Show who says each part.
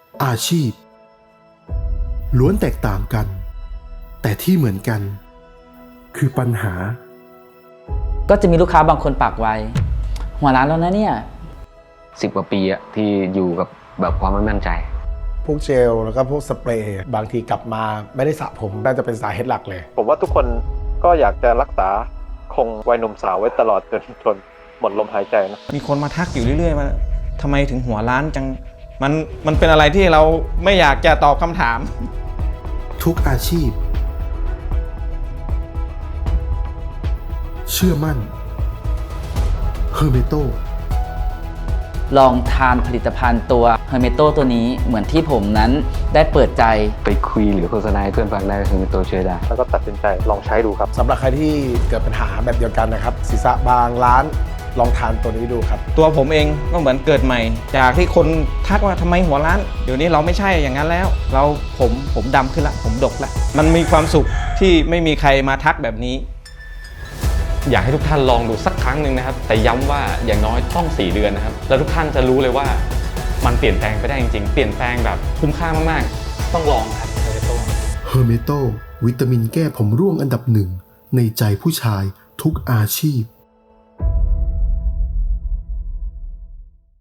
Speaker 1: อาชีพล้วนแตกต่างกันแต่ที่เหมือนกันคือปัญหา
Speaker 2: ก็จะมีลูกค้าบางคนปากไวหัวร้านแล้วนะเนี่ย
Speaker 3: 10 กว่าปีอะที่อยู่กับแบบความไม่มั่นใจ
Speaker 4: พวกเจลแล้วก็พวกสเปรย์บางทีกลับมาไม่ได้สระผมน่าจะเป็นสาเหตุหลักเลย
Speaker 5: ผมว่าทุกคนก็อยากจะรักษาคงวัยหนุ่มสาวไว้ตลอดจนหมดลมหายใจนะ
Speaker 6: มีคนมาทักอยู่เรื่อยๆมาทำไมถึงหัวร้านจังมันเป็นอะไรที่เราไม่อยากจะตอบคำถาม
Speaker 1: ทุกอาชีพเชื่อมั่นเฮอร์เมโต
Speaker 2: ลองทานผลิตภัณฑ์ตัวเฮอร์เมโตตัวนี้เหมือนที่ผมนั้นได้เปิดใจ
Speaker 3: ไปคุยหรือโฆษณาให้เพื่อนฟังได้ก็คือตัวช่วยได้
Speaker 5: แล้วก็ตัดสินใจลองใช้ดูครับ
Speaker 4: สำหรับใครที่เกิดปัญหาแบบเดียวกันนะครับศีรษะบางล้านลองทานตัวนี้ดูครับ
Speaker 6: ตัวผมเองก็เหมือนเกิดใหม่จากที่คนทักว่าทำไมหัวร้านเดี๋ยวนี้เราไม่ใช่อย่างนั้นแล้วผมดำขึ้นละผมดกละมันมีความสุขที่ไม่มีใครมาทักแบบนี้
Speaker 7: อยากให้ทุกท่านลองดูสักครั้งหนึ่งนะครับแต่ย้ำว่าอย่างน้อยต้อง4 เดือนนะครับแล้วทุกท่านจะรู้เลยว่ามันเปลี่ยนแปลงไปได้จริงๆเปลี่ยนแปลงแบบคุ้มค่ามากๆต้องลองครับ
Speaker 1: เฮอร์เมโตวิตามินแก้ผมร่วงอันดับหนึ่งในใจผู้ชายทุกอาชีพ